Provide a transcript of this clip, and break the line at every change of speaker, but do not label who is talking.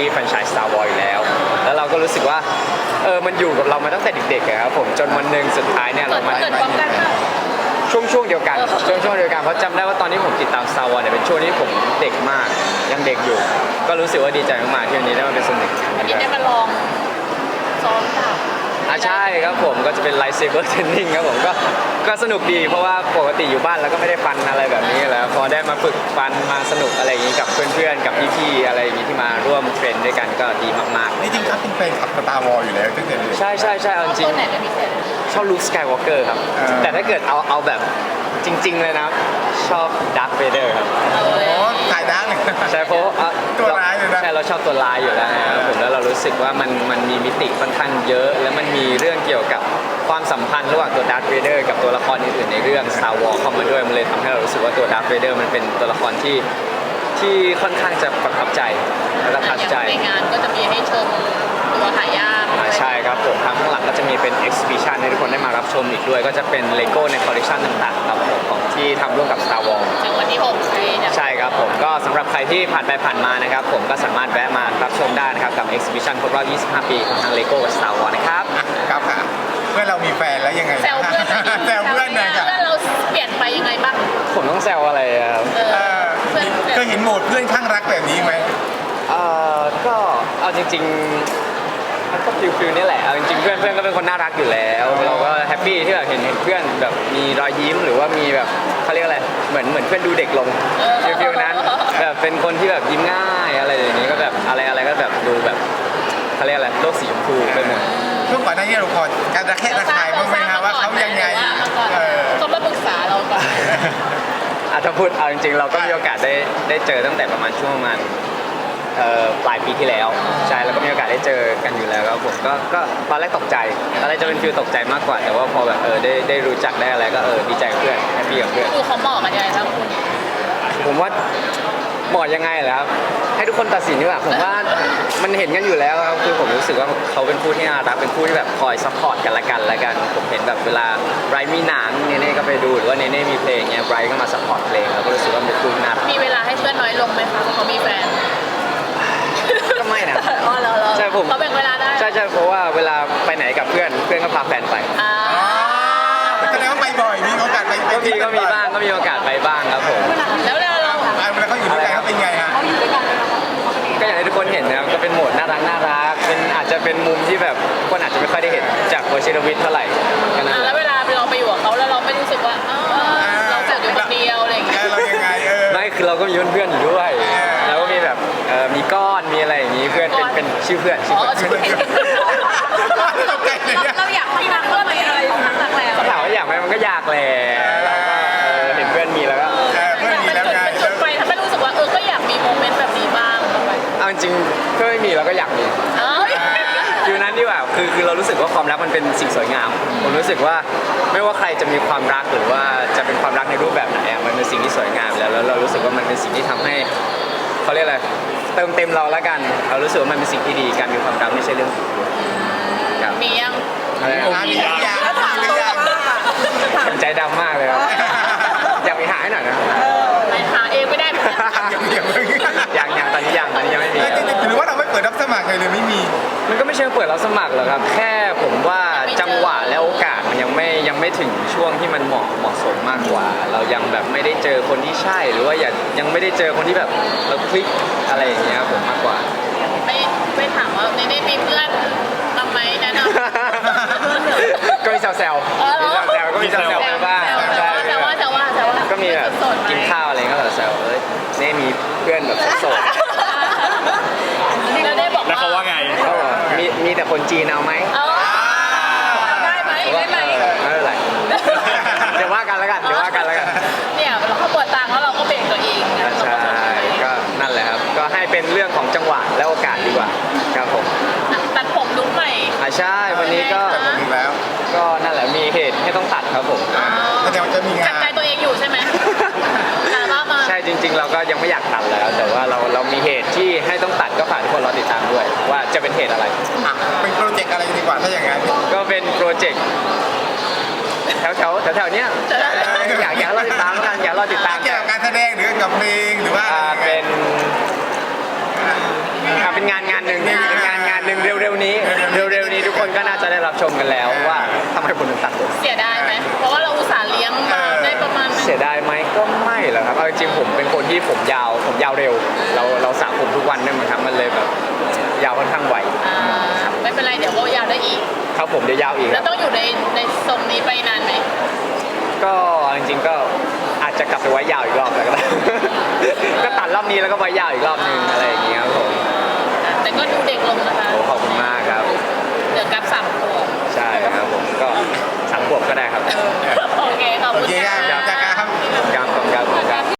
รีส์แฟรนไชส์ Star Wars อยู่แล้วเราก็รู้สึกว่ามันอยู่กับเรามาตั้งแต่เด็กๆครับผมจนวันหนึ่งสุดท้ายเนี่ยเรามา
เกิดพร้อมกันค่ะ
ช่วงเดียวกันช่วงเดียวกันเพราะจำได้ว่าตอนที่ผมติดตาม Star Wars เนี่ยเป็นช่วงที่ผมเด็กมากยังเด็กอยู่ ก็รู้สึกว่าดีใจมากๆที่วันนี้ได้มาเป็นส่วนหนึ่ง
วันนี้ได้มาลองซ้อมดาบ
ใช่ครับผมก็จะเป็น Lightsaber Training ครับผมก็สนุกดีเพราะว่าปกติอยู่บ้านแล้วก็ไม่ได้ฟันอะไรแบบนี้แล้วพอได้มาฝึกฟันมาสนุกอะไรอย่างนี้กับเพื่อนๆกับพี่ๆอะไรอย่างนี้ที่มาร่วมเทรนด้วยกันก็ดีมากๆ
นี่จริงครับเป็นแฟนคลับสตาร์วอลอยู่แล้วตั้งแต่เด็ก
ใช่เอาจริง
ตัวไหนเป็นพิเศษ
ชอบลุคสกายวอล์กเกอร์ครับแต่ถ้าเกิดเอาแบบจริง ๆเลยนะชอบดาร์ธเวเดอร์ครับ
โอ้ถ่ายดังเลย
ใช่เพราะ
ตัวร้ายเลยนะ
ใช่เราชอบตัวร้ายอยู่แล้วนะครับผมแล้วเรารู้สึกว่ามันมีมิติค่อนข้างเยอะ แล้วมันมีเรื่องเกี่ยวกับความสัมพันธ์ระหว่างตัวดาร์ธเวเดอร์กับตัวละครอื่นๆในเรื่อง Star Wars เข้ามาด้วยมันเลยทำให้เรารู้สึกว่าตัวดาร์ธเวเดอร์มันเป็นตัวละครที่ค่อนข้างจะประทับใจและประทับใจ
ในงานก็จะมีให้ชมตัวหายาก
ใช่ครับผมทางข้างหลังก็จะมีเป็น exhibition ให้ทุกคนได้มารับชมอีกด้วย ก็จะเป็นเลโก้ในคอลเลคชันต่างๆครับผมของที่ทำร่วมกับ Star Wars
ถึงวันที่6เนี่ย
ใช่ครับผมก็สำหรับใครที่ผ่านไปผ่านมานะครับผมก็สามารถแวะมารับชมได้นะครับกับ exhibition ครบรอบ 25 ปีของทางเลโก้กับ Star Wars นะครับ
ครับค่ะเพื่อนเรามีแฟนแล้วยังไง
แซวเพื่อน
แซวเพื่อนหน่อยค่ะ
เพื่อนเราเปลี่ยนไปยังไงบ้าง
ผมต้องแซวอะไรอะครับ
เพื่อน
เคยเห็นโหมดเพื่อนข้างรักแบบนี้ไหม
ก็เอาจริงๆมันก็ฟิลนี่แหละเอาจริงๆเพื่อนก็เป็นคนน่ารักอยู่แล้วเราก็แฮปปี้ที่แบบเห็นเพื่อนแบบมีรอยยิ้มหรือว่ามีแบบเขาเรียกอะไรเหมือนเพื่อนดูเด็กลงฟิลนั้นแบบเป็นคนที่แบบยิ้มง่ายอะไรอย่างนี้ก็แบบอะไรก็แบบดูแบบเขาเรียกอะไรโลกสีชมพูไปหมด
ช่วงก่อนหน้านี้เราพอการระแคะระคายบ้างไหมฮะว่าเขายังไง
เขามาปรึกษาเราก่อน
ถ้าพูดเอาจริงๆเราก็มีโอกาสได้เจอตั้งแต่ประมาณช่วงประมาณปลายปีที่แล้วใช่แล้วก็มีโอกาสได้เจอกันอยู่แล้วครับผมก็ตอนแรกตกใจตอนแรกจะเป็นฟิลตกใจมากกว่า แต่ว่าพอแบบได้รู้จักได้อะไรก็ดีใจกับเพื่อนแฮปปี้กับเพื่อน
ดูเขาเหมาะกันยังไงครับคุณ
ผมว่าเหมาะยังไงเหรอครับให้ทุกคนตัดสินดีกว่าผมว่ามันเห็นกันอยู่แล้วครับคือผมรู้สึกว่าเขาเป็นผู้ที่น่ารักเป็นผู้ที่แบบคอยซัพพอร์ตกันละกันผมเห็นแบบเวลาไบรท์มีหนังเนเน่ก็ไปดูหรือว่าเนเน่มีเพลงเงี้ยไบรท์ก็มาซัพพอร์ตเพลงแล้วก็รู้สึกว่าเป็นผู้ที่น่ารัก
มีเวลาให้เพื่อนน้อยลงไหมคะเพราะเขามีแฟน
ก็ไม่นะ
อ๋อเหรอ
ใช่ผม
เขาแบ่งเวลาได้
ใช่เพราะว่าเวลาไปไหนกับเพื่อนก็พาแฟนไป
อ่า
แสดงว่าไปบ่อยมีโอกาสไป
ก็มีบ้างก็มีโอกาสไปบ้างครับผม
แล้วเรา
เวลาเขาอยู่ด้วยกันเขาเป็นไงฮะ
ก็อย่างที่ทุกคนเห็นนะครับก็เป็นโหมดน่ารักเป็นอาจจะเป็นมุมที่แบบคนอาจจะไม่ค่อยได้เห็นจากวชิรวิทย์เท่าไหร่ก็นั่นแห
แล้ว
ละ
เวลาเราไปอยู่กับเขาแล้วเราไม่รู้สึกว่าเราจะอยู่คนเดียวอะไรอย่างเงี้ย
เรายังไง
ไม่คือเราก็มีเพื่อนๆอยู่ด้วยแล้วก็มีแบบมีก้อนมีอะไรอย่างนี้เพื่อนเป็นชื่อเพื่อน
อ๋อชื่อ
ตกใจเลยเนี่ย
เราอยากทำงานเพื่อนอะไรทำงานแล้ว
ก็ถามว่าอยากไหมมันก็อยากแหละเราก็เห็นเพื่อนมีแล้วก็
เพื่อนมีแล้วไง
มันจนไปทำให้รู้สึกว่าก็อยากมีโมเมนต์แบบนี้บ้าง
เอาจริงๆเพื่อนไม่มีเราก็อยากมี ฟิวนั้นดีกว่าคือเรารู้สึกว่าความรักมันเป็นสิ่งสวยงาม ผมรู้สึกว่าไม่ว่าใครจะมีความรักหรือว่าจะเป็นความรักในรูปแบบไหนมันเป็นสิ่งที่สวยงามแล้วเรารู้สึกว่ามันเป็นสิ่งที่ทำให้เขาเรียกอะไรเติมเต็มเราละกันเรารู้สึกว่ามันเป็นสิ่งที่ดีการมีความรักไม่ใช่เรื่องผิดครับ
มียัง
อะไรนะ
มีหรือยังมีหรือยัง
ผมใจดำมากเลยครับอยากไปหาให้หน่อยนะ
ไปหาเองไม่ได้
ยังตอนนี้ยังไม่มี
หรือว่าเราไม่เปิดรับสมัครเลยไม่มี
มันก็ไม่เชิงเปิดรับสมัครหรอกครับ แค่ผมว่าจังหวะและโอกาสมันยังไม่ถึงช่วงที่มันเหมาะสมมากกว่า เรายังแบบไม่ได้เจอคนที่ใช่หรือว่ายังไม่ได้เจอคนที่แบบเราคลิกอะไรอย่างเงี้ยผมมากกว่า
ไม่ถามว่าในนี้มีเพื่อนบ้างไหมแนะนำ
ก็มีแซวๆมีแซวๆไปบ้างใช่
แต่ว่า
ก็มีแบบกินข้าวอะไรก็แซวนี่มีเพื่อนแบบโสด
แล้วได้บอก
แล้วเขาว่าไง
เขาบอกมีแต่คนจีนเอาไหม
ได้ไหม
ไม่เป็นไรเดี๋ยวว่ากันแล้วกัน
เนี่ยเราเขาปวดตังค์แล้วเราก็เบรกตัวเอง
ใช่ก็นั่นแหละครับก็ให้เป็นเรื่องของจังหวะและโอกาสดีกว่าครับผม
ตัดผมลุกใหม่
ใช่วันนี้ก็
แต่ผมแล้ว
ก็นั่นแหละมีเหตุให้ต้องตัดครับผม
แสดงว่าจะมีงา
จับใจ
น
ตัวเองอยู่ใช่ไหมมา
ใช่จริง ๆ เราก็ยังไม่อยากตัดแล้ว แต่ว่าเรามีเหตุที่ให้ต้องตัดก็ฝากทุกคนรอติดตามด้วย ว่าจะเป็นเหตุอะไร
เป็นโปรเจกต์อะไรดีกว่าถ้าอย่างนั้น
ก็เป็นโปรเจกต์แถวเนี้ยอยากรอติดตามแล้วกันอยากรอติดตาม
เกี่ยวกับการแสดงหรือกับเพลงหรือว่า
เป็นงานรับชมกันแล้วว่าทำไมคนถึงตัดผม
เสียดายไหมเพราะว่าเราอุตส่าห์เลี้ยงมาได้ประมาณนึง
เสียดายไหมก็ไม่หรอกครับเอาจริงๆผมเป็นคนที่ผมยาวเร็ว เราสระผมทุกวันเนี่ยมันทำมันเลยแบบยาวค่อนข้างไว
ไม่เป็นไรเดี๋ยวก็ยาวได้อีก
ครับผมเดี๋ยวยาวอีกค
แล้
รั
ว
บ
ต้องอยู่ในทรงนี้ไปนานไหม
ก็จริงๆก็อาจจะกลับไปไว้ยาวอีกรอบแล้วก็ได้ ก็ตัดรอบนี้แล้วก็ไว้ยาวอีกรอบนึงอะไรอย่างเงี้ยครับผม
แต่ก็ดูเด็กลงนะคะ
โอ้ขอบคุณมากครับ
เดี๋ยวกับ3 ขวบ
ใช่ครับผมก็3 ขวบก็ได้ครับ
โอเคขอบ
โอ
คุณ
เค
ค่ะ
ครับจากการครับ
ขอบคุณครับ